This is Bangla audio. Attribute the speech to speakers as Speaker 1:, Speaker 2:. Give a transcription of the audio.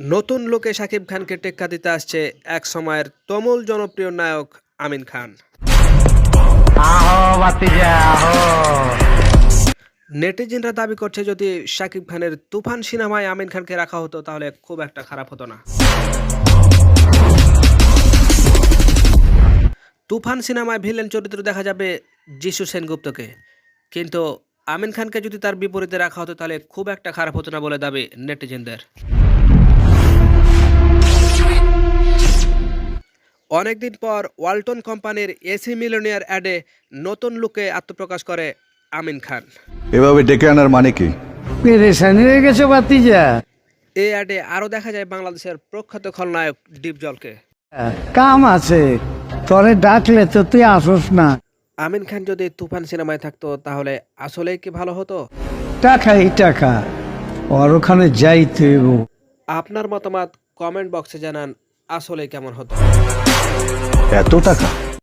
Speaker 1: নতুন লুকে শাকিব খানকে টেক্কা দিতে আসছে এক সময়ের তুমুল জনপ্রিয় নায়ক আমিন খান। নেটিজেনরা দাবি করছে যদি শাকিব খানের তুফান সিনেমায় আমিন খানকে রাখা হতো তাহলে খুব একটা খারাপ হতো না। তুফান সিনেমায় ভিলেন চরিত্র দেখা যাবে যিশু সেনগুপ্তকে, কিন্তু আমিন খানকে যদি তার বিপরীতে রাখা হতো তাহলে খুব একটা খারাপ হতো না বলে দাবি নেটিজেনদের। অনেকদিন পর ওয়ালটন কোম্পানির এসি মিলিয়নিয়ার অ্যাডে নতুন লুকে আত্মপ্রকাশ করে আমিন খান।
Speaker 2: এভাবে ডেকে আনার মানে কি?
Speaker 3: পেরেশানি হয়ে গেছে বাতিজা।
Speaker 1: এই অ্যাডে আরও দেখা যায় বাংলাদেশের প্রখ্যাত খলনায়ক ডিপজলকে।
Speaker 3: কাম আছে, তোরে ডাকলে তো তুই আসস না।
Speaker 1: আমিন খান যদি তুফান সিনেমায় থাকতো তাহলে আসলেই কি ভালো হতো?
Speaker 3: টাকাই টাকা, ওর ওখানে যাইতে হইব।
Speaker 1: আপনার মতামত কমেন্ট বক্সে জানান, আসলেই কেমন হতো।
Speaker 2: এত টাকা?